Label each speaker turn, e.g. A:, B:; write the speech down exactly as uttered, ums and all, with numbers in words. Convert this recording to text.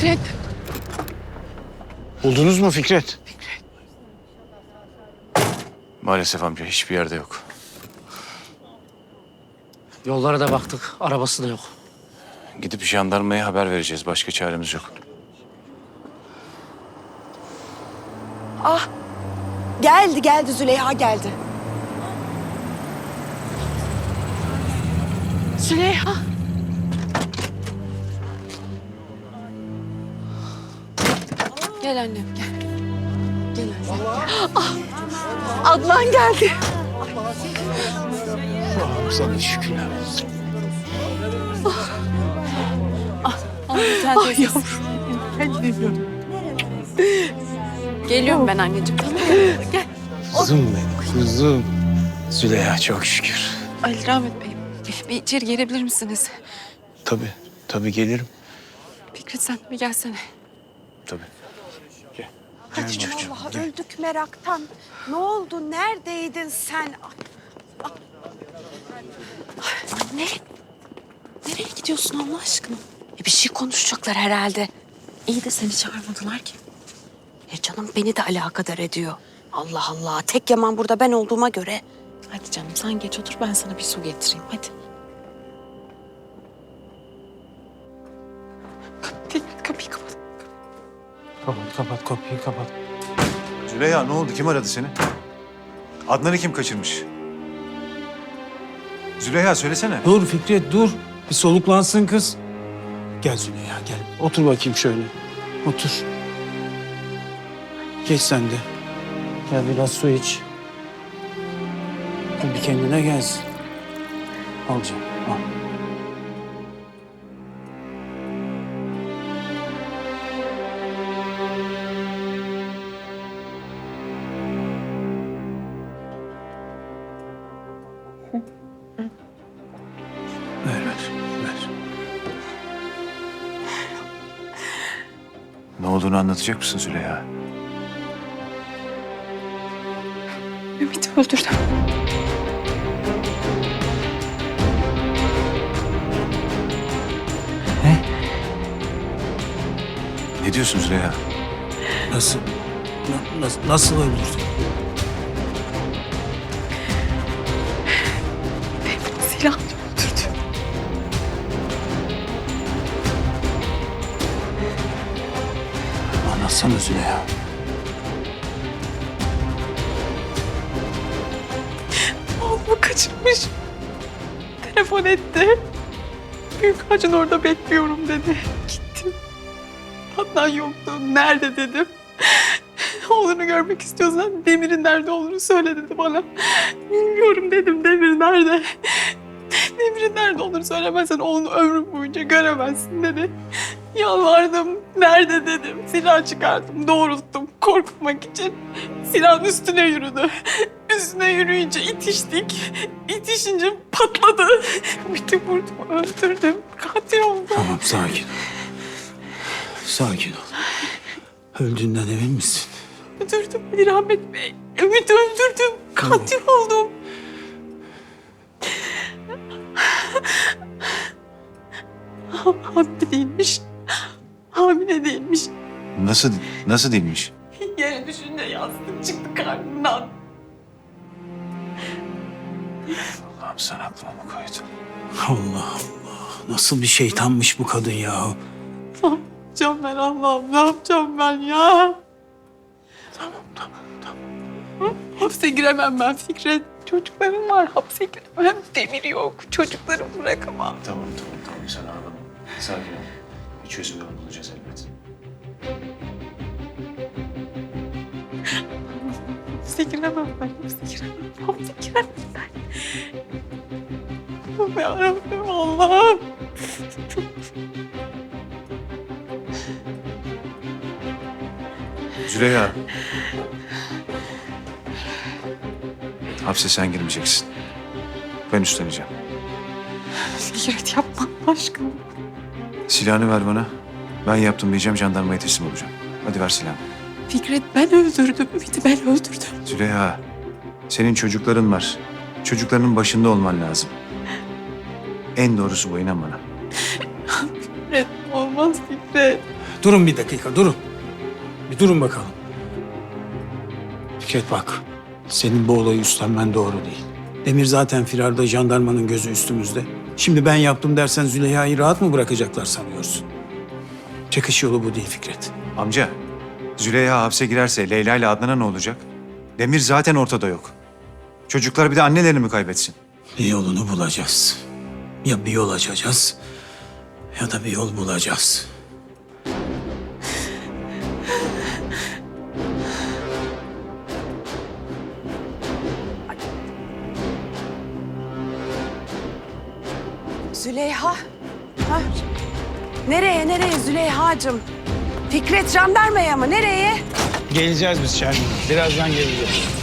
A: Fikret.
B: Buldunuz mu Fikret?
A: Fikret.
C: Maalesef amca hiçbir yerde yok.
B: Yollara da baktık. Arabası da yok.
C: Gidip jandarmaya haber vereceğiz. Başka çaremiz yok.
D: Ah, geldi geldi Züleyha geldi.
A: Züleyha. Gel annem gel. Gel annem. Ah, Adnan geldi.
B: Allah'ım sana şükürler olsun.
A: Ay yavrum. Ben geliyorum. Geliyorum ben anneciğim. Tamam mı? Gel.
B: Kızım benim, kızım. Züleyha çok şükür.
A: Ali Rahmet Bey, bir, bir içeri gelebilir misiniz?
B: Tabii, tabii gelirim.
A: Fikret sen bir gelsene.
C: Tabii.
D: Hadi çocuğum. Vallahi öldük meraktan. Ne oldu? Neredeydin sen?
A: Anne, nereye gidiyorsun Allah aşkına? E bir şey konuşacaklar herhalde. İyi de seni çağırmadılar ki.
D: E canım beni de alakadar ediyor. Allah Allah. Tek yaman burada ben olduğuma göre.
A: Hadi canım sen geç otur ben sana bir su getireyim hadi. Kapıyı, kapıyı kapat.
B: Kapat, kapat kapıyı, kapat.
C: Züleyha ne oldu? Kim aradı seni? Adnan'ı kim kaçırmış? Züleyha söylesene.
B: Dur Fikret, dur. Bir soluklansın kız. Gel Züleyha, gel. Otur bakayım şöyle. Otur. Geç sen de. Gel biraz su iç. Dur bir kendine gelsin. Al canım, al. Ver, ver, ver.
C: Ne olduğunu anlatacak mısın Züleyha?
A: Ümit'i öldürdüm.
C: Ne diyorsun Züleyha?
B: Nasıl, na- nasıl, nasıl öldürdün?
A: Silahla öldürdüm.
B: Anlatsana Züleyha.
A: Oğlumu kaçırmış. Telefon etti. Büyük ağacın orada bekliyorum dedi. Gittim. Adnan yoktu. Nerede dedim. Oğlunu görmek istiyorsan Demir'in nerede olduğunu söyle dedi bana. Bilmiyorum dedim. Demir nerede? Demir'in nerede olduğunu söylemezsen oğlunu ömrüm boyunca göremezsin dedi. Yalvardım. Nerede dedim. Silah çıkardım. Doğrulttum. Korkutmak için. Silahın üstüne yürüdü. Üstüne yürüyünce itiştik. İtişince patladı. Ümit'i vurdum. Öldürdüm. Katil oldum.
B: Tamam, sakin ol. Sakin ol. Öldüğünden emin misin?
A: Öldürdüm Ali Rahmet Bey. Ümit'i öldürdüm. Katil oldum. Hamile değilmiş. Hamile değilmiş.
C: Nasıl, nasıl değilmiş?
A: Yere düşünce yastık çıktı karnından.
C: Allah'ım sen aklıma mı koydun?
B: Allah Allah. Nasıl bir şeytanmış bu kadın ya?
A: Ne yapacağım ben Allah'ım? Ne yapacağım ben ya?
B: Tamam, tamam, tamam.
A: Hapse giremem ben Fikret. Çocuklarım var. Hapse giremem. Demir yok. Çocuklarımı bırakamam.
C: Tamam tamam tamam sen ağlama. Sakin ol. Bir çözüm yolu bulacağız elbet.
A: Hapse giremem ben. Hapse giremem. Hapse giremem ben. Allah'ım yarabbim Allah'ım.
C: Züleyha. Hapse sen girmeyeceksin. Ben üstleneceğim.
A: Fikret yapma Allah aşkına.
C: Silahını ver bana. Ben yaptım diyeceğim, jandarmaya teslim olacağım. Hadi ver silahını.
A: Fikret ben öldürdüm. Ümit'i ben öldürdüm.
C: Züleyha, senin çocukların var. Çocuklarının başında olman lazım. En doğrusu bu, inan bana.
A: Fikret olmaz Fikret.
B: Durun bir dakika, durun. Bir durun bakalım. Fikret bak, senin bu olayı üstlenmen doğru değil. Demir zaten firarda, jandarmanın gözü üstümüzde. Şimdi ben yaptım dersen Züleyha'yı rahat mı bırakacaklar sanıyorsun? Çıkış yolu bu değil Fikret.
C: Amca, Züleyha hapse girerse Leyla ile Adnan'a ne olacak? Demir zaten ortada yok. Çocuklar bir de annelerini mi kaybetsin?
B: Bir yolunu bulacağız. Ya bir yol açacağız ya da bir yol bulacağız.
D: Züleyha. Ha? Nereye nereye Züleyha'cığım? Fikret jandarmaya mı? Nereye?
B: Geleceğiz biz Şermin. Birazdan geleceğiz.